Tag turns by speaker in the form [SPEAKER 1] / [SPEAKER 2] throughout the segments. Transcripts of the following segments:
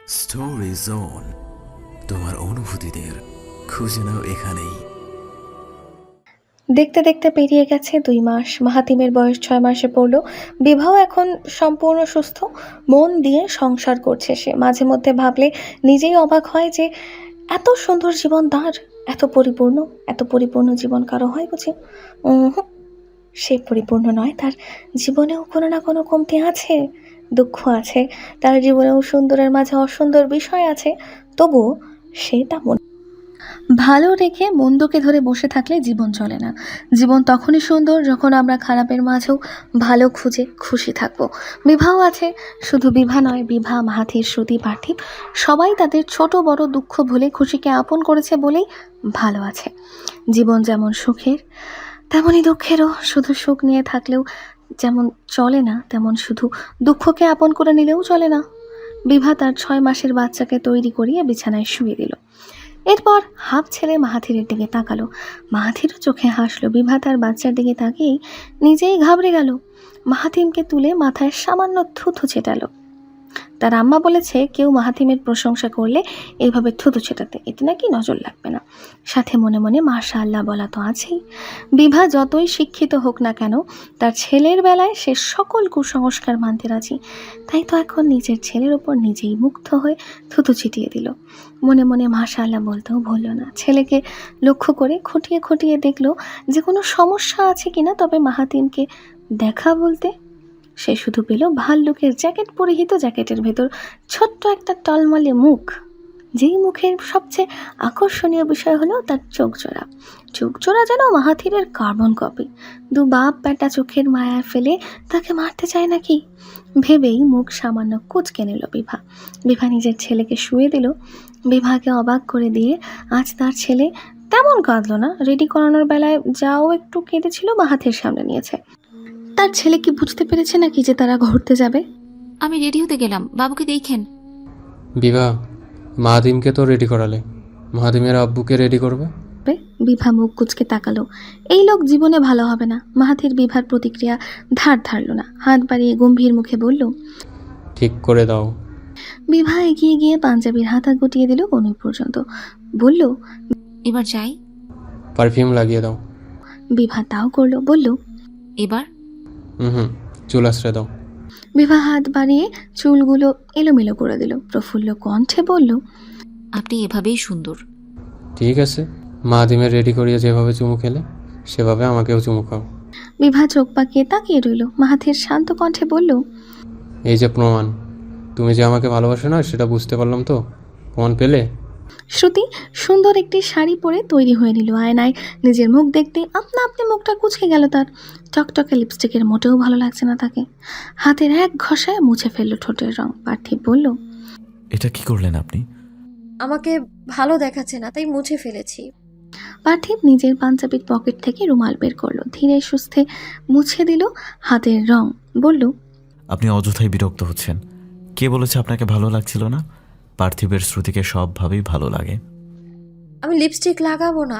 [SPEAKER 1] Story zone, তোমার অনুভূতিদের খুঁজে নাও এখানেই।
[SPEAKER 2] দেখতে দেখতে পেরিয়ে গেছে 2 মাস। মাহাতিমের বয়স 6 মাসে পড়ল। বিবাহ এখন সম্পূর্ণ সুস্থ, মন দিয়ে সংসার করছে সে। মাঝে মধ্যে ভাবলে নিজেই অবাক হয় যে এত সুন্দর জীবন তার, এত পরিপূর্ণ জীবন কারো হয় বুঝি? হুম, সে পরিপূর্ণ নয়। তার জীবনেও কোনো না কোনো কমতি আছে, দুঃখ আছে। তার জীবনেও সুন্দরের মাঝে অসুন্দর বিষয় আছে। তবুও সে তা ভালো রেখে মন্দকে ধরে বসে থাকলে জীবন চলে না। জীবন তখনই সুন্দর যখন আমরা খারাপের মাঝেও ভালো খুঁজে খুশি থাকবো। বিবাহ আছে, শুধু বিভা নয়, বিভা, মাহাথির, শ্রুতি, পার্থিব সবাই তাদের ছোট বড় দুঃখ ভুলে খুশিকে আপন করেছে বলেই ভালো আছে। জীবন যেমন সুখের তেমনই দুঃখেরও। শুধু সুখ নিয়ে থাকলেও যেমন চলে না, তেমন শুধু দুঃখকে আপন করে নিলেও চলে না। বিভা তার 6 মাসের বাচ্চাকে তৈরি করিয়ে বিছানায় শুয়ে দিল। এরপর হাঁপ ছেড়ে মাহাথিরের দিকে তাকালো। মাহাথিরও চোখে হাসলো। বিভা তার বাচ্চার দিকে তাকিয়েই নিজেই ঘাবড়ে গেল। মাহাতিমকে তুলে মাথায় সামান্য থুথু ছেটালো। তার আম্মা বলেছে কেউ মাহাতিমের প্রশংসা করলে এইভাবে থুতু ছেটাতে, এতে নাকি নজর লাগবে না। সাথে মনে মনে মাশাআল্লাহ বলা তো আছেই। বিভা যতই শিক্ষিত হোক না কেন, তার ছেলের বেলায় সে সকল কুসংস্কার মানতে রাজি। তাই তো এখন নিজের ছেলের ওপর নিজেই মুগ্ধ হয়ে থুতু ছিটিয়ে দিল। মনে মনে মাশাআল্লাহ বলতেও ভুলল না। ছেলেকে লক্ষ্য করে খুঁটিয়ে খুঁটিয়ে দেখলো যে কোনো সমস্যা আছে কিনা। তবে মাহাতিমকে দেখা বলতে সে শুধু পেল ভাল্লুকের জ্যাকেট পরিহিত, জ্যাকেটের ভেতর ছোট্ট একটা টলমলে মুখ। যেই মুখের সবচেয়ে আকর্ষণীয় বিষয় হলো তার চোখজোড়া যেন মাহাথিরের কার্বন কপি। দু বাপ বেটা চোখের মায়া ফেলে তাকে মারতে চায় নাকি ভেবেই মুখ সামান্য কুঁচকে নিল বিভা। বিভা নিজের ছেলেকে শুয়ে দিল। বিভাকে অবাক করে দিয়ে আজ তার ছেলে তেমন কাঁদলো না। রেডি করানোর বেলায় যাও একটু কেঁদেছিল, মাহাথির সামনে নিয়েছে। তার ছেলে কি বুঝতে পেরেছে নাকি যে তারা ঘুরতে যাবে?
[SPEAKER 3] আমি রেডি হতে গেলাম, বাবুকে দেখেন।
[SPEAKER 4] বিভা, মাহাতিমকে তো রেডি করালে, মাহাতিমের আব্বুকে রেডি করবে?
[SPEAKER 2] বিভা মুখ কুচকে তাকালো। এই লোক জীবনে ভালো হবে না। মাহাথির বিভার প্রতিক্রিয়া ধার ধারল না। হাত বাড়িয়ে গম্ভীর মুখে বলল,
[SPEAKER 4] ঠিক করে দাও।
[SPEAKER 2] বিভা এগিয়ে গিয়ে পাঞ্জাবির হাতা গুটিয়ে দিল কনুই পর্যন্ত। বলল,
[SPEAKER 3] এবার যাই।
[SPEAKER 4] পারফিউম লাগিয়ে দাও।
[SPEAKER 2] বিভা তাও করলো। বলল,
[SPEAKER 3] এবার
[SPEAKER 4] হুম, চুল আশ্রয় দাও।
[SPEAKER 2] বিভা হাত বাড়িয়ে চুলগুলো এলোমেলো করে দিল। প্রফুল্ল কণ্ঠে বলল,
[SPEAKER 3] আপনি এভাবেই সুন্দর।
[SPEAKER 4] ঠিক আছে, মাহাতিমের রেডি করিয়ে যেভাবে চুমু খেলে সেভাবে আমাকেও চুমু খাও।
[SPEAKER 2] বিভা চোখ পাকিয়ে তাকিয়ে রইল। মাহাথির শান্ত কণ্ঠে বলল,
[SPEAKER 4] এই যে প্রমাণ, তুমি যে আমাকে ভালোবাসো না সেটা বুঝতে পারলাম তো। প্রমাণ পেলে?
[SPEAKER 2] শ্রুতি সুন্দর একটি শাড়ি পরে তৈরি হয়ে নিল। আয়নায় নিজের মুখ দেখতে আপনা আপনি মুখটা কুঁচকে গেল তার। টকটকে লিপস্টিকের মোটেও ভালো লাগছে না তাকে। হাতের এক ঘষায় মুছে ফেললো ঠোঁটের রং। পার্থিব বলল,
[SPEAKER 1] এটা কি করলেন আপনি?
[SPEAKER 5] আমাকে ভালো দেখাচ্ছে না তাই মুছে ফেলেছি।
[SPEAKER 2] পার্থিব নিজের পাঞ্জাবির পকেট থেকে রুমাল বের করলো। ধীরে সুস্থে মুছে দিল হাতের রং। বলল,
[SPEAKER 1] আপনি অযথাই বিরক্ত হচ্ছেন। কে বলেছে আপনাকে ভালো লাগছিল না? পার্থিবের শ্রুতিকে সবভাবেই ভালো লাগে।
[SPEAKER 5] আমি লিপস্টিক লাগাবো না।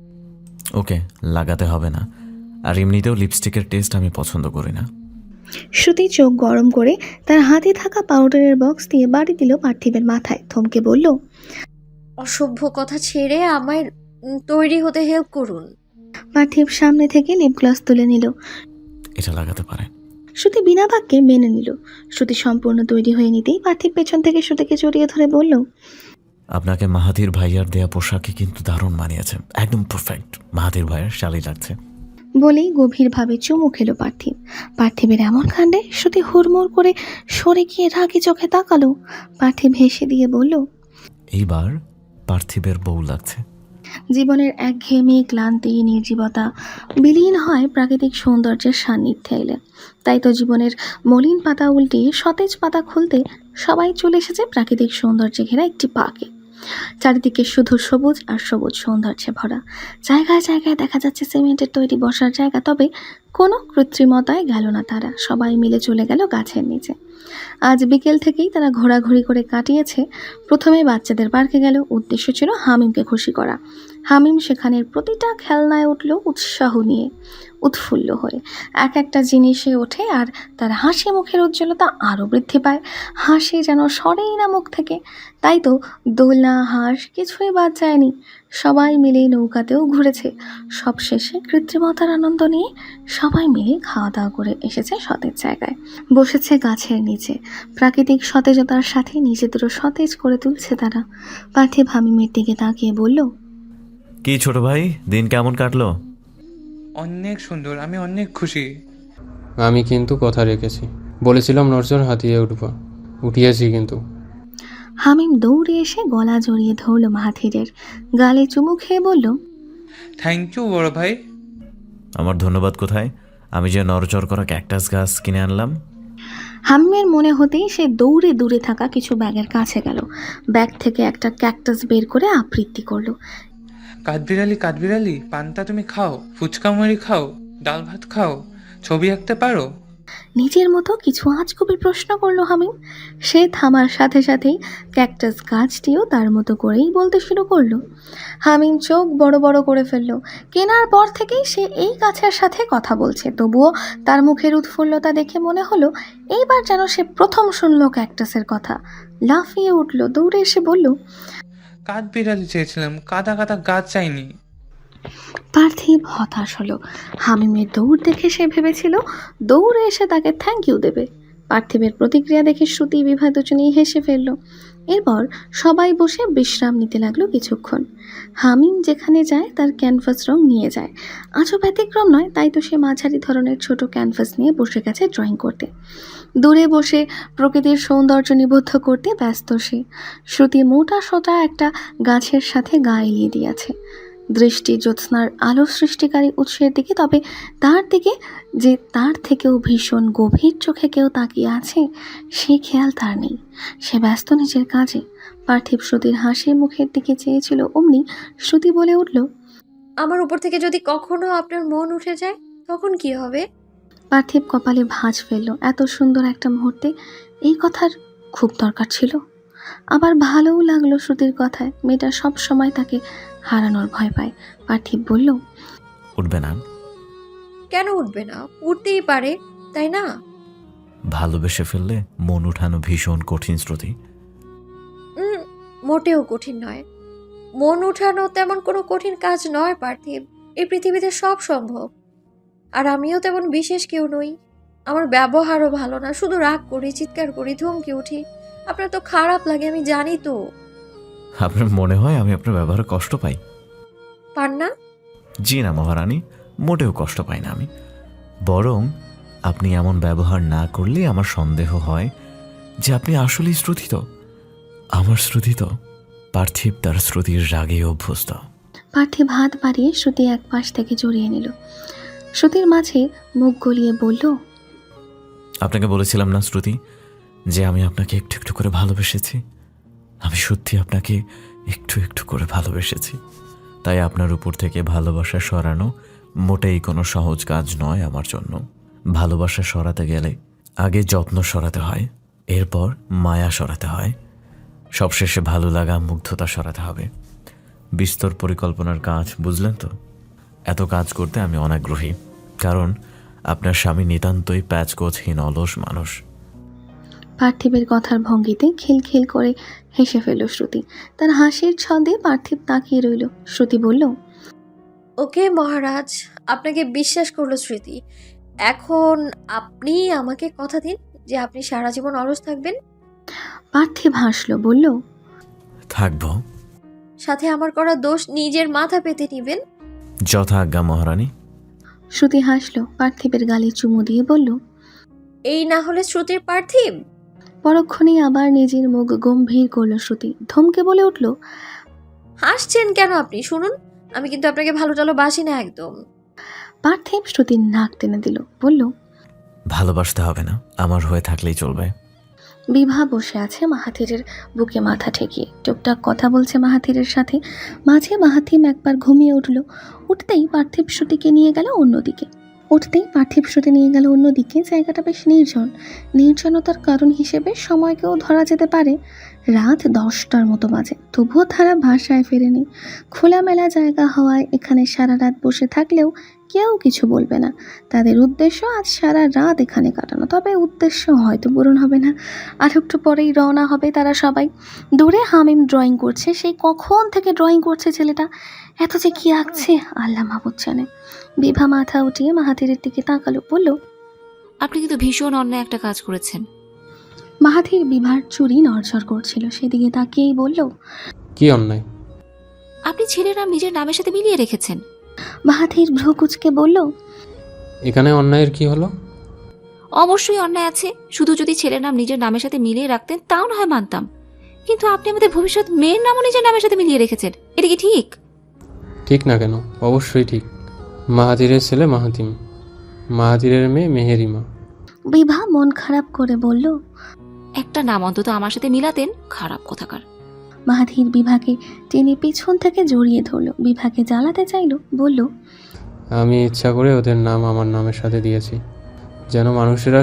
[SPEAKER 1] ওকে, লাগাতে হবে না। আর এমনিতেও লিপস্টিকের টেস্ট আমি পছন্দ করি না।
[SPEAKER 2] শ্রুতি চোখ গরম করে তার হাতে থাকা পাউডারের বক্স দিয়ে বাড়ি দিল পার্থিবের মাথায়। থমকে বলল,
[SPEAKER 5] অসভ্য কথা ছেড়ে আমায় তৈরি হতে হেল্প করুন।
[SPEAKER 2] পার্থিব সামনে থেকে লিপ গ্লস তুলে নিল।
[SPEAKER 1] এটা লাগাতে পারেন।
[SPEAKER 2] শ্রুতি বিনা বাক্যে মেনে নিল। শ্রুতি সম্পূর্ণ তৈরি হয়ে নিতেই পার্থিব পেছন থেকে শ্রুতিকে জড়িয়ে ধরে বলল,
[SPEAKER 1] আপনাকে মাহাথির ভাইয়ার দেয়া পোশাকে কিন্তু দারুণ মানিয়েছে, একদম পারফেক্ট। মাহাথির ভাইয়ার শালি লাগছে।
[SPEAKER 2] বলেই গভীরভাবে চুমু খেলো পার্থিব। পার্থিবের এমন কাণ্ডে শ্রুতি হুড়মুড় করে সরে গিয়ে রাগি চোখে তাকালো। পার্থিব হেসে দিয়ে বলল,
[SPEAKER 1] এইবার পার্থিবের বউ লাগছে।
[SPEAKER 2] জীবনের একঘেয়েমি, ক্লান্তি, নির্জীবতা বিলীন হয় প্রাকৃতিক সৌন্দর্যের সান্নিধ্যে এলে। তাই তো জীবনের মলিন পাতা উল্টিয়ে সতেজ পাতা খুলতে সবাই চলে এসেছে প্রাকৃতিক সৌন্দর্যে ঘেরা একটি পার্কে। চারিদিকে শুধু সবুজ আর সবুজ সৌন্দর্যে ভরা। জায়গায় জায়গায় দেখা যাচ্ছে সিমেন্টের তৈরি বসার জায়গা। তবে কোনো কৃত্রিমতায় গেল না তারা, সবাই মিলে চলে গেল গাছের নিচে। আজ বিকেল থেকেই তারা ঘোরাঘুরি করে কাটিয়েছে। প্রথমে বাচ্চাদের পার্কে গেল, উদ্দেশ্য ছিল হামিমকে খুশি করা। হামিম সেখানের প্রতিটা খেলনায় উঠল উৎসাহ নিয়ে, উৎফুল্ল হয়ে। এক একটা জিনিসে ওঠে আর তার হাসি মুখের উজ্জ্বলতা আরও বৃদ্ধি পায়। হাসি যেন সরেই না মুখ থেকে। তাই তো দোলনা, হাঁস কিছুই বাদ যায়নি। সবাই মিলে নৌকাতেও ঘুরেছে। সবশেষে কৃত্রিমতার আনন্দ নিয়ে সবাই মিলে খাওয়া দাওয়া করে এসেছে সতেজ জায়গায়, বসেছে গাছের নিচে। প্রাকৃতিক সতেজতার সাথে নিজেদেরও সতেজ করে তুলছে তারা। পার্থিব হামিমের দিকে তাকিয়ে বলল,
[SPEAKER 1] কি ছোট ভাই, দিন কেমন কাটলো?
[SPEAKER 6] অনেক সুন্দর, আমি অনেক খুশি।
[SPEAKER 4] আমি কিন্তু কথা রেখেছি, বলেছিলাম নড়চড় হাতিয়ে উঠিয়েছি কিন্তু।
[SPEAKER 2] হামিম দৌড়ে এসে গলা জড়িয়ে ধরল মাহাথিরের, গালে চুমু খেয়ে বলল,
[SPEAKER 6] থ্যাংক ইউ বড় ভাই।
[SPEAKER 1] আমার ধন্যবাদ কোথায়? আমি যে নরচর করা ক্যাকটাস গাছ কিনে আনলাম।
[SPEAKER 2] হামিমের মনে হতেই সে দৌড়ে দূরে থাকা কিছু ব্যাগের কাছে গেল। ব্যাগ থেকে একটা ক্যাকটাস বের করে আবৃত্তি করলো।
[SPEAKER 6] কাঠবিড়ালি, পান্তা তুমি খাও, ফুচকা মুড়ি খাও, ডাল ভাত খাও, ছবি আঁকতে পারো?
[SPEAKER 2] নিজের মতো কিছু আজগুবি প্রশ্ন করলো হামিম। সে থামার সাথে সাথেই ক্যাকটাস গাছটিও তার মতো করেই বলতে শুরু করলো। হামিম চোখ বড় বড় করে ফেললো। কেনার পর থেকেই সে এই গাছের সাথে কথা বলছে, তবুও তার মুখের উৎফুল্লতা দেখে মনে হলো এইবার যেন সে প্রথম শুনলো ক্যাকটাসের কথা। লাফিয়ে উঠলো, দৌড়ে এসে বলল,
[SPEAKER 6] কাঠবিড়ালি চেয়েছিলাম, কাদা কাদা গাছ চাইনি।
[SPEAKER 2] পার্থিব হতাশ হলো। হামিমের দৌড় দেখে সে ভেবেছিল দৌড়ে এসে তাকে থ্যাংক ইউ দেবে। পার্থিবের প্রতিক্রিয়া দেখে শ্রুতি, বিভা দুজনেই হেসে ফেলল। এরপর সবাই বসে বিশ্রাম নিতে লাগলো কিছুক্ষণ। হামিম যেখানে যায় তার ক্যানভাস রং নিয়ে যায়। আজও ব্যতিক্রম নয়, তাই তো সে মাঝারি ধরনের ছোট ক্যানভাস নিয়ে বসে গেছে ড্রয়িং করতে। দূরে বসে প্রকৃতির সৌন্দর্য নিবদ্ধ করতে ব্যস্ত সে। শ্রুতি মোটা সোটা একটা গাছের সাথে গা এলিয়ে দিয়েছে দৃষ্টি জ্যোৎস্নার আলো সৃষ্টিকারী উৎসের দিকে। তবে তার দিকে যে তার থেকেও ভীষণ গভীর চোখে কেউ তাকিয়ে আছে সে খেয়াল তার নেই। সে ব্যস্ত নিজের কাজে। পার্থিব শ্রুতির হাসি মুখের দিকে চেয়েছিল, অমনি শ্রুতি বলে উঠল,
[SPEAKER 5] আমার উপর থেকে যদি কখনো আপনার মন উঠে যায় তখন কি হবে?
[SPEAKER 2] পার্থিব কপালে ভাঁজ ফেলল। এত সুন্দর একটা মুহূর্তে এই কথার খুব দরকার ছিল। আবার ভালোও লাগলো শ্রুতির কথায়। মেয়েটা সব সময় তাকে হারানোর ভয় পায়। পার্থিব বলল,
[SPEAKER 1] উঠবে না?
[SPEAKER 5] কেন উঠবে না? উঠতেই পারে, তাই না?
[SPEAKER 1] ভালোবেসে ফেললে মন উঠানো ভীষণ কঠিন শ্রুতি।
[SPEAKER 5] মোটেও কঠিন নয়। মন উঠানো তেমন কোনো কঠিন কাজ নয় পার্থিব। এই পৃথিবীতে সব সম্ভব। আর আমিও তেমন বিশেষ কেউ নই। আমার ব্যবহারও ভালো না, শুধু রাগ করি, চিৎকার করি, ধমকে উঠি। আপনার তো খারাপ লাগে, আমি জানি তো।
[SPEAKER 1] আপনার মনে হয় আমি আপনার ব্যবহারে কষ্ট পাই?
[SPEAKER 5] পান না?
[SPEAKER 1] জি না মহারানী, মোটেও কষ্ট পাই না আমি। বরং আপনি এমন ব্যবহার না করলে আমার সন্দেহ হয় যে আপনি আসলেই শ্রুতিত। আমার শ্রুতিত। পার্থিব তার শ্রুতির রাগে অভ্যস্ত।
[SPEAKER 2] পার্থিব হাত বাড়িয়ে শ্রুতি এক পাশ থেকে জড়িয়ে নিল। শ্রুতির মাঝে মুখ গলিয়ে বলল,
[SPEAKER 1] আপনাকে বলেছিলাম না শ্রুতি যে আমি আপনাকে একটু একটু করে ভালোবেসেছি। আমি সত্যি আপনাকে একটু একটু করে ভালোবেসেছি। তাই আপনার উপর থেকে ভালোবাসা সরানো মোটেই কোনো সহজ কাজ নয় আমার জন্য। ভালোবাসা সরাতে গেলে আগে যত্ন সরাতে হয়, এরপর মায়া সরাতে হয়, সবশেষে ভালো লাগা, মুগ্ধতা সরাতে হবে। বিস্তর পরিকল্পনার কাজ, বুঝলেন তো? এত কাজ করতে আমি অনাগ্রহী, কারণ আপনার স্বামী নিতান্তই প্যাচগোছহীন অলস মানুষ।
[SPEAKER 2] পার্থিবের কথার ভঙ্গিতে খিলখিল করে হেসে ফেলল শ্রুতি। তার হাসির ছন্দে পার্থিব তাকিয়ে রইল। শ্রুতি বলল,
[SPEAKER 5] ওকে মহারাজ, আপনাকে বিশ্বাস করলো স্মৃতি। এখন আপনি আমাকে কথা দিন যে আপনি সারা জীবন অলস থাকবেন।
[SPEAKER 2] পার্থিব হাসল, বলল,
[SPEAKER 1] থাকব।
[SPEAKER 5] সাথে আমার করা দোষ নিজের মাথা পেতে নিবেন।
[SPEAKER 1] যথা আজ্ঞা মহারানী।
[SPEAKER 2] শ্রুতি হাসল, পার্থিবের গালে চুমু দিয়ে বলল,
[SPEAKER 5] এই না হলে শ্রুতির পার্থিব।
[SPEAKER 2] পরক্ষণেই আবার নিজের মুখ গম্ভীর করল শ্রুতি। ধমকে বলে উঠল,
[SPEAKER 5] হাসছেন কেন আপনি? শুনুন, আমি কিন্তু আপনাকে ভালো টালো বাসি না একদম।
[SPEAKER 2] পার্থিব শ্রুতির নাক টেনে দিল, বলল,
[SPEAKER 1] ভালোবাসতে হবে না, আমার হয়ে থাকলেই চলবে।
[SPEAKER 2] বিভা বসে আছে মাহাথিরের বুকে মাথা ঠেকিয়ে, টুকটাক কথা বলছে মাহাথিরের সাথে। মাঝে মাহাথিম একবার ঘুমিয়ে উঠল। উঠতেই পার্থিব শ্রুতিকে নিয়ে গেল অন্যদিকে। উঠতেই পার্থিব শ্রুতি নিয়ে গেল অন্যদিকে। জায়গাটা বেশ নির্জন। নির্জনতার কারণ হিসেবে সময়কেও ধরা যেতে পারে। রাত 10টার মতো বাজে, তবুও তারা বাসায় ফেরেনি। খোলামেলা জায়গা হওয়ায় এখানে সারা রাত বসে থাকলেও কেউ কিছু বলবে না। তাদের উদ্দেশ্য আজ সারা রাত এখানে কাটানো, তবে উদ্দেশ্য হয়তো পূরণ হবে না। আর একটু পরেই রওনা হবে তারা সবাই। দূরে হামিম ড্রয়িং করছে। সেই কখন থেকে ড্রয়িং করছে ছেলেটা, এত যে কি আঁকছে আল্লাহ মাহবুব জানে। বিভা মাথা উঠিয়ে মাহাথিরের দিকে তাকালো, বলল,
[SPEAKER 3] আপনি কিন্তু ভীষণ অন্যায় একটা কাজ করেছেন।
[SPEAKER 2] মাহাথির বিভার চুরি নড়ঝড় করছিল, সেদিকে তাকিয়েই বলল,
[SPEAKER 4] কি অন্যায়?
[SPEAKER 3] আপনি ছেলের নাম নিজের নামের সাথে মিলিয়ে রেখেছেন।
[SPEAKER 2] মাহাথির ভ্রু কুচকে বলল,
[SPEAKER 4] এখানে অন্যায়ের কি হলো?
[SPEAKER 3] অবশ্যই অন্যায় আছে। শুধু যদি ছেলের নাম নিজের নামের সাথে মিলিয়ে রাখতেন তাও না হয় মানতাম, কিন্তু আপনি আমাদের ভবিষ্যৎ মেয়ের নামও নিজের নামের সাথে মিলিয়ে রেখেছেন। এটা কি ঠিক?
[SPEAKER 4] ঠিক না কেন? অবশ্যই ঠিক। মাহাতিরের ছেলে মাহাতিম, মাহাতিরের মেয়ে মেহেরিমা।
[SPEAKER 2] বিভা মন খারাপ করে বলল।
[SPEAKER 3] একটা নাম অন্তত আমার সাথে মিলাতেন, খারাপ কোথাকার।
[SPEAKER 2] মাহাথির বিভাকে টেনে পিছন থেকে জড়িয়ে ধরল। বিভাকে জ্বালাতে চাইল, বলল,
[SPEAKER 4] আমি ইচ্ছা করে ওদের নাম আমার নামের সাথে দিয়েছি, যেন মানুষেরা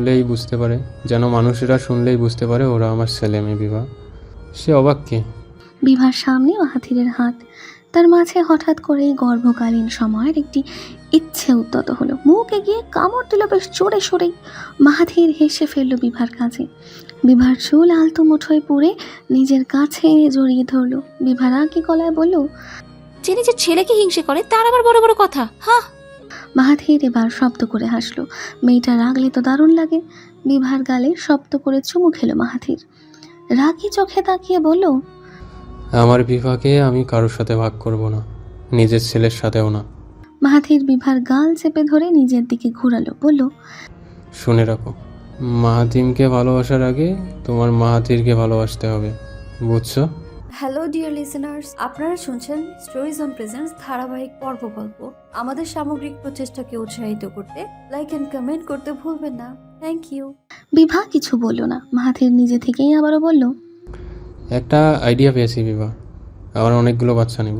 [SPEAKER 4] শুনলেই বুঝতে পারে ওরা আমার ছেলে মেয়ে। বিভা, সে অবাক কে?
[SPEAKER 2] বিভার সামনে মাহাথিরের হাত। তার মাঝে হঠাৎ করেই গর্ভকালীন সময়ের একটি ইচ্ছে উদ্যত হলো। মুখ এগিয়ে কামড় দিল বেশ জোরে সরেই। মাহাথির হেসে ফেলল বিভার কাছে। বিভার চুল আলতো মুঠোয় পুড়ে নিজের কাছে এনে জড়িয়ে ধরল। বিভার আগে গলায় বলল,
[SPEAKER 3] যে নিজের ছেলেকে হিংসে করে তার আবার বড় বড় কথা। হ্যাঁ,
[SPEAKER 2] মাহাথির এবার শব্দ করে হাসলো। মেয়েটা রাগলে তো দারুণ লাগে। বিভার গালে শব্দ করে চুমু খেলো মাহাথির। রাগি চোখে তাকিয়ে বলল,
[SPEAKER 4] আমার বিভাকে আমি কারোর সাথে ভাগ করব না, নিজের ছেলের সাথেও না।
[SPEAKER 2] মাহাথির বিভার গাল চেপে ধরে নিজের দিকে ঘুরালো, বলল,
[SPEAKER 4] শুনে রাখো, মাহাতিমকে ভালোবাসার আগে তোমার মাহাতিরকে ভালোবাসতে হবে, বুঝছো?
[SPEAKER 7] হ্যালো ডিয়ার লিসেনার্স, আপনারা শুনছেন স্টোরিজ অন প্রেজেন্স ধারাবাহিক পর্ব গল্প। আমাদের সামগ্রিক প্রচেষ্টাকে উৎসাহিত করতে লাইক এন্ড কমেন্ট করতে ভুলবেন না। Thank you.
[SPEAKER 2] বিভা কিছু বলল না। মাহাথির নিজে থেকেই আবারও বলল,
[SPEAKER 4] একটা আইডিয়া পেয়েছি বিভা, আমরা অনেকগুলো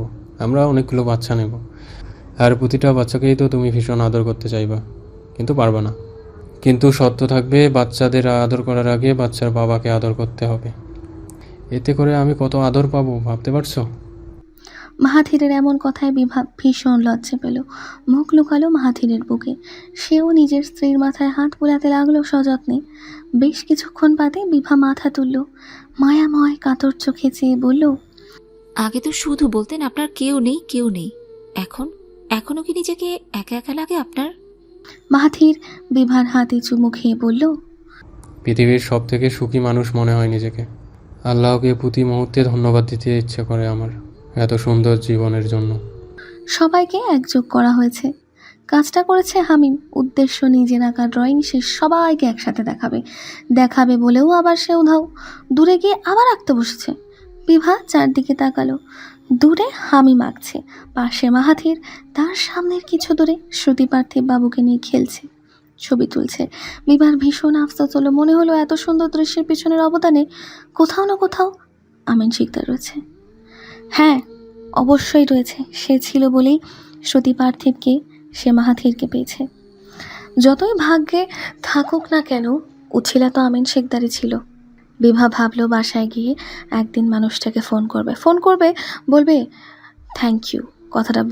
[SPEAKER 4] বাচ্চা নেব, আর প্রতিটা বাচ্চাকেই তো তুমি ভীষণ আদর করতে চাইবা, কিন্তু পারবা না। কিন্তু শর্ত থাকবে, বাচ্চাদের আদর করার আগে বাচ্চার বাবাকে আদর করতে হবে। এতে করে আমি কত আদর পাবো ভাবতে পারছো?
[SPEAKER 2] মাহাথিরের এমন কথায় বিভা ভীষণ লজ্জা পেল। মুখ লুকালো মাহাথিরের বুকে। সেও নিজের স্ত্রীর মাথায় হাত বুলাতে লাগলো সযত্নে। বেশ কিছুক্ষণ বাদে বিভা মাথা তুলল, মায়াময় কাতর চোখে চেয়ে বলল,
[SPEAKER 3] আগে তো শুধু বলতেন আপনার কেউ নেই। এখনো কি নিজেকে একা একা লাগে আপনার?
[SPEAKER 2] মাহাথির বিভার হাতে চুমু খেয়ে বলল,
[SPEAKER 4] পৃথিবীর সব থেকে সুখী মানুষ মনে হয় নিজেকে। আল্লাহকে প্রতি মুহূর্তে ধন্যবাদ দিতে ইচ্ছে করে আমার এত সুন্দর জীবনের জন্য।
[SPEAKER 2] সবাইকে একযোগ করা হয়েছে। কাজটা করেছে হামিম। উদ্দেশ্য নিজের আঁকা ড্রয়িং সে সবাইকে একসাথে দেখাবে বলেও আবার সে উধাও। দূরে গিয়ে আবার আঁকতে বসেছে। বিভা চারদিকে তাকালো। দূরে হামিম আঁকছে, পাশে মাহাথির, তার সামনের কিছু দূরে শ্রুতি পার্থিব বাবুকে নিয়ে খেলছে, ছবি তুলছে। বিভার ভীষণ আফসোস হলো। মনে হলো এত সুন্দর দৃশ্যের পিছনের অবদানে কোথাও না কোথাও আমিন শিকদার রয়েছে। হ্যাঁ, অবশ্যই রয়েছে। সে ছিল বলেই শ্রুতি পার্থিবকে, সে মাহাথিরকে পেয়েছে। যতই ভাগ্যে থাকুক না কেন, উছিলা তো আমিন শেখদারি ছিল। বিভা ভাবলো বাসায় গিয়ে একদিন মানুষটাকে ফোন করবে, বলবে থ্যাংক ইউ কথাটা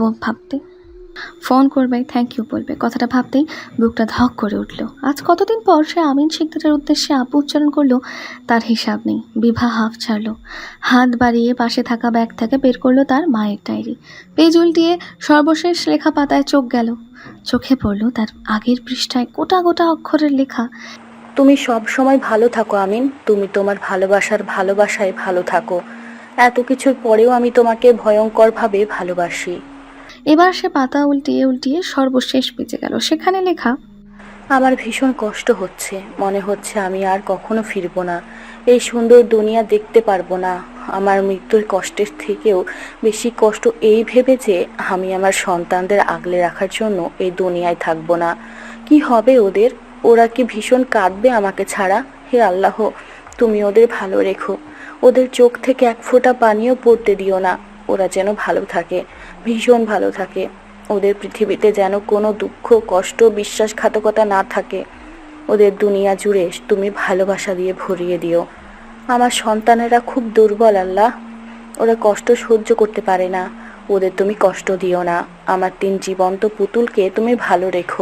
[SPEAKER 2] ভাবতেই বুকটা ধক করে উঠল। আজ কতদিন পর সে আমিন শিকদারের উদ্দেশ্যে আপু উচ্চারণ করলো, তার হিসাব নেই। বিভা হাফ ছাড়লো। হাত বাড়িয়ে পাশে থাকা ব্যাগ থেকে বের করলো তার মায়ের ডায়েরি। পেজ উল্টিয়ে সর্বশেষ লেখা পাতায় চোখ গেল। চোখে পড়ল তার আগের পৃষ্ঠায় গোটা গোটা অক্ষরের লেখা,
[SPEAKER 8] তুমি সব সময় ভালো থাকো আমিন, তুমি তোমার ভালোবাসায় ভালো থাকো। এত কিছুর পরেও আমি তোমাকে ভয়ঙ্করভাবে ভালোবাসি।
[SPEAKER 2] এবার সে পাতা উল্টিয়ে সর্বশেষ পেজে গেল। সেখানে লেখা,
[SPEAKER 8] আমার ভীষণ কষ্ট হচ্ছে, মনে হচ্ছে আমি আর কখনো ফিরবো না, এই সুন্দর দুনিয়া দেখতে পারবো না। আমার মৃত্যুর কষ্টের থেকেও বেশি কষ্ট এই ভেবে যে আমি আমার সন্তানদের আগলে রাখার জন্য এই দুনিয়ায় থাকবো না। কি হবে ওদের? ওরা কি ভীষণ কাঁদবে আমাকে ছাড়া? হে আল্লাহ, তুমি ওদের ভালো রেখো, ওদের চোখ থেকে এক ফোঁটা পানিও পড়তে দিও না। ওরা যেন ভালো থাকে, ভীষণ ভালো থাকে। ওদের পৃথিবীতে যেন কোনো দুঃখ, কষ্ট, বিশ্বাসঘাতকতা না থাকে। ওদের দুনিয়া জুড়ে তুমি ভালোবাসা দিয়ে ভরিয়ে দিও। আমার সন্তানেরা খুব দুর্বল আল্লাহ, ওরা কষ্ট সহ্য করতে পারে না। ওদের তুমি কষ্ট দিও না। আমার 3 জীবন্ত পুতুলকে তুমি ভালো রেখো।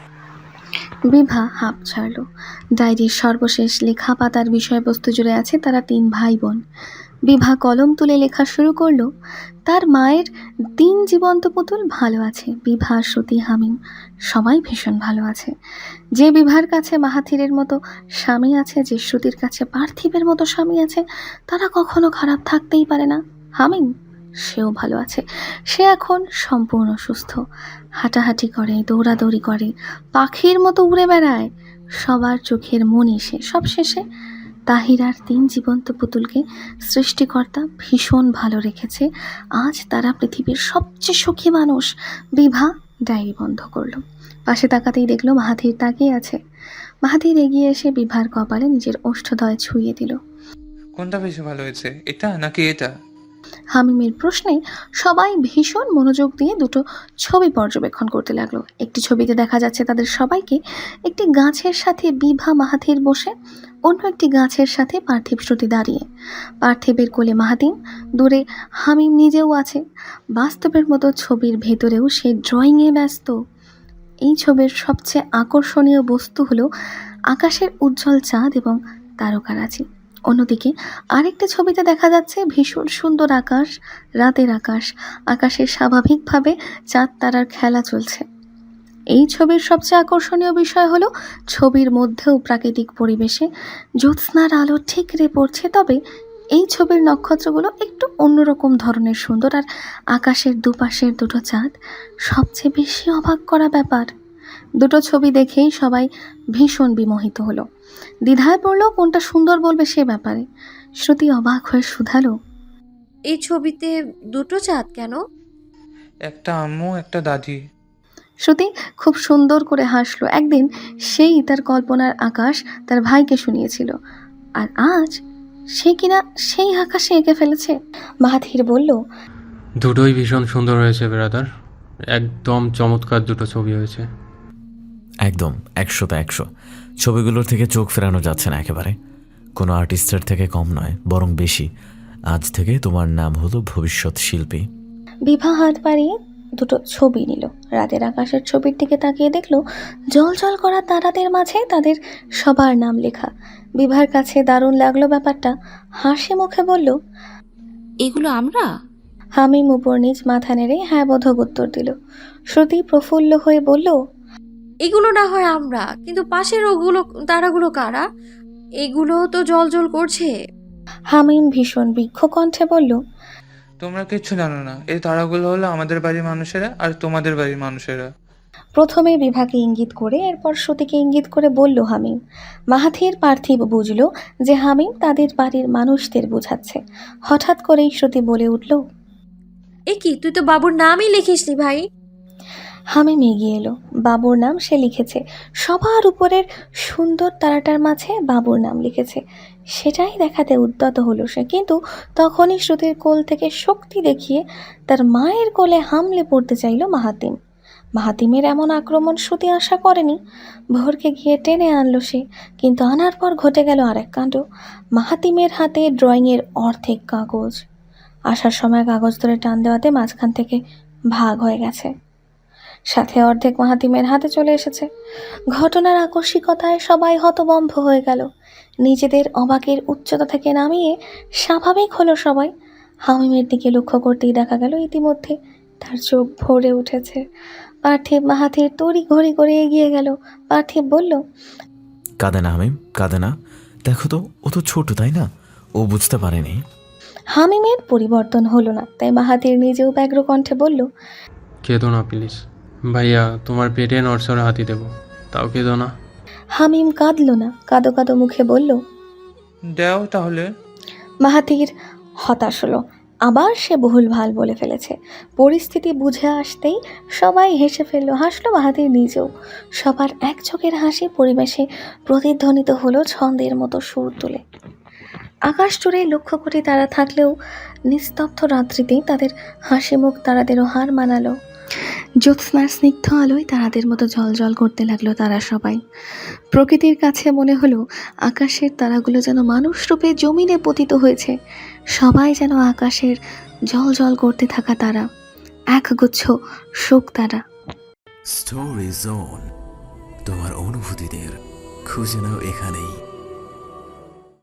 [SPEAKER 2] বিভা হাঁপ ছাড়ল। ডায়েরির সর্বশেষ লেখা পাতার বিষয়বস্তু জুড়ে আছে তারা 3 ভাই বোন। বিভা কলম তুলে লেখা শুরু করলো, তার মায়ের 3 জীবন্ত পুতুল ভালো আছে। বিভা, শ্রুতি, হামিম সবাই ভীষণ ভালো আছে। যে বিভার কাছে মাহাথিরের মতো স্বামী আছে, যে শ্রুতির কাছে পার্থিবের মতো স্বামী আছে, তারা কখনো খারাপ থাকতেই পারে না। হামিম, সেও ভালো আছে। সে এখন সম্পূর্ণ সুস্থ, হাঁটাহাঁটি করে, দৌড়াদৌড়ি করে, পাখির মতো উড়ে বেড়ায়। সবার চোখের মনি সে। সব শেষে তাহিরার 3 জীবন্ত পুতুলকে সৃষ্টিকর্তা ভীষণ ভালো রেখেছে। আজ তারা পৃথিবীর সবচেয়ে সুখী মানুষ। বিভা ডায়েরি বন্ধ করলো। পাশে তাকাতেই দেখলো মাহাথির তাকিয়ে আছে। মাহাথির এগিয়ে এসে বিভার কপালে নিজের ওষ্ঠদয় ছুঁয়ে দিল।
[SPEAKER 6] কোনটা বেশি ভালো হয়েছে, এটা নাকি এটা?
[SPEAKER 2] হামিমের প্রশ্নে সবাই ভীষণ মনোযোগ দিয়ে দুটো ছবি পর্যবেক্ষণ করতে লাগলো। একটি ছবিতে দেখা যাচ্ছে তাদের সবাইকে একটি গাছের সাথে বিভা, মাহাথির বসে, অন্য একটি গাছের সাথে পার্থিব, শ্রুতি দাঁড়িয়ে। পার্থিবের কোলে মাহাতিম, দূরে হামিম নিজেও আছে। বাস্তবের মতো ছবির ভেতরেও সে ড্রয়িংয়ে ব্যস্ত। এই ছবির সবচেয়ে আকর্ষণীয় বস্তু হলো আকাশের উজ্জ্বল চাঁদ এবং তারকারাজি। অন্যদিকে আরেকটি ছবিতে দেখা যাচ্ছে ভীষণ সুন্দর আকাশ, রাতের আকাশ। আকাশে স্বাভাবিকভাবে চাঁদ তারার খেলা চলছে। এই ছবির সবচেয়ে আকর্ষণীয় বিষয় হলো ছবির মধ্যেও প্রাকৃতিক পরিবেশে জ্যোৎস্নার আলো ঠিকরে পড়ছে, তবে এই ছবির নক্ষত্রগুলো একটু অন্যরকম ধরনের সুন্দর। আর আকাশের দুপাশের দুটো চাঁদ সবচেয়ে বেশি অবাক করা ব্যাপার। দুটো ছবি দেখেই সবাই ভীষণ বিমোহিত হলো। দ্বিধায় পড়লো কোনটা সুন্দর বলবে সে ব্যাপারে। শ্রুতি অবাক হয়ে শুধালো,
[SPEAKER 5] এই ছবিতে দুটো চাঁদ কেন?
[SPEAKER 6] একটা আম্মু, একটা দাদি।
[SPEAKER 2] শ্রুতি খুব সুন্দর করে হাসলো। একদিন সেই তার কল্পনার আকাশ তার ভাইকে শুনিয়েছিল, আর আজ সে কিনা সেই আকাশে এঁকে ফেলেছে। মাহাথির বলল,
[SPEAKER 4] দুটোই ভীষণ সুন্দর হয়েছে ব্রাদার, একদম চমৎকার দুটো ছবি হয়েছে।
[SPEAKER 1] একদম 100তে 100। ছবিগুলোর থেকে চোখ ফেরানো যাচ্ছে না একেবারে। কোনো আর্টিস্টের থেকে কম নয়, বরং বেশি। আজ থেকে তোমার নাম হলো ভবিষ্যৎ শিল্পী।
[SPEAKER 2] বিভা হাত বাড়িয়ে দুটো ছবি নিল। রাতের আকাশের ছবির দিকে তাকিয়ে দেখলো জল জল করা তারাদের মাঝে তাদের সবার নাম লেখা। বিভার কাছে দারুণ লাগলো ব্যাপারটা। হাসি মুখে বলল,
[SPEAKER 3] এগুলো আমরা?
[SPEAKER 2] হামিম উপর নিজ মাথা নেড়ে হ্যাঁ বোধক উত্তর দিল। শ্রুতি প্রফুল্ল হয়ে বলল,
[SPEAKER 5] এগুলো না হয় আমরা, কিন্তু পাশের ওগুলো তারাগুলো কারা? এগুলো তো জল করছে।
[SPEAKER 2] হামিম ভীষণ বৃক্ষ কণ্ঠে বলল,
[SPEAKER 6] তোমরা কিচ্ছু জানো না, এই তারাগুলো হলো আমাদের বাড়ির মানুষেরা আর তোমাদের বাড়ির মানুষেরা।
[SPEAKER 2] প্রথমে বিভাকে ইঙ্গিত করে, এরপর শ্রুতিকে ইঙ্গিত করে বলল হামিম। মাহাথির, পার্থিব বুঝল যে হামিম তাদের বাড়ির মানুষদের বোঝাচ্ছে। হঠাৎ করেই শ্রুতি বলে উঠল,
[SPEAKER 5] এ কি, তুই তো বাবুর নামই লিখিসনি ভাই।
[SPEAKER 2] হামিম এগিয়ে এলো। বাবুর নাম সে লিখেছে। সবার উপরের সুন্দর তারাটার মাঝে বাবুর নাম লিখেছে। সেটাই দেখাতে উদ্যত হলো সে, কিন্তু তখনই শ্রুতির কোল থেকে শক্তি দেখিয়ে তার মায়ের কোলে হামলে পড়তে চাইল মাহাতিম। মাহাতিমের এমন আক্রমণ শ্রুতি আশা করেনি। ভোরকে গিয়ে টেনে আনলো সে, কিন্তু আনার পর ঘটে গেল আরেক কাণ্ড। মাহাতিমের হাতে ড্রয়িংয়ের অর্ধেক কাগজ। আসার সময় কাগজ ধরে টান দেওয়াতে মাঝখান থেকে ভাগ হয়ে গেছে, সাথে অর্ধেক মাহাতিমের হাতে চলে এসেছে। ঘটনার আকস্মিকতায় সবাই হতবম্ব হয়ে গেল। নিজেদের অবাকের উচ্চতা থেকে নামিয়ে স্বাভাবিক হলো সবাই। হামিমের দিকে লক্ষ্য করতেই দেখা গেল ইতিমধ্যে তার চোখ ভরে উঠেছে। পার্থিব মাহাথির তড়ি ঘড়ি করে এগিয়ে গেল। পার্থিব বলল,
[SPEAKER 1] কাঁদে না হামিম, কাঁদে না। দেখো তো, ও তো ছোট, তাই না? ও বুঝতে পারেনি।
[SPEAKER 2] হামিমের পরিবর্তন হলো না, তাই মাহাথির নিজেও ব্যগ্র কণ্ঠে বলল,
[SPEAKER 4] কেঁদো না প্লিজ ভাইয়া, তোমার পেটে নড়ছড়ে হাতি দেবো, তাও কেঁদো না।
[SPEAKER 2] হামিম কাঁদল না, কাঁদো কাঁদো মুখে বলল।
[SPEAKER 6] দাও তাহলে।
[SPEAKER 2] মাহাথির হতাশ হলো। আবার সে ভুলভাল বলে ফেলেছে। পরিস্থিতি বুঝে আসতেই সবাই হেসে ফেললো, হাসলো মাহাথির নিজেও। সবার এক চোখের হাসি পরিবেশে প্রতিধ্বনিত হলো ছন্দের মতো সুর তুলে। আকাশ জুড়ে লক্ষ কোটি তারা থাকলেও নিস্তব্ধ রাত্রিতেই তাদের হাসি মুখ তারাদেরও হার মানালো। জ্যোৎস্নার স্নিগ্ধ আলোয় তারাদের মতো জ্বলজ্বল করতে লাগলো তারা সবাই। প্রকৃতির কাছে মনে হলো আকাশের তারাগুলো যেন মানুষ রূপে জমিনে পতিত হয়েছে। সবাই যেন আকাশের জ্বলজ্বল করতে থাকা তারা, একগুচ্ছ শোক তারা।
[SPEAKER 9] স্টোরি জোন, তোমার অনুভূতিদের খুঁজে নাও এখানেই।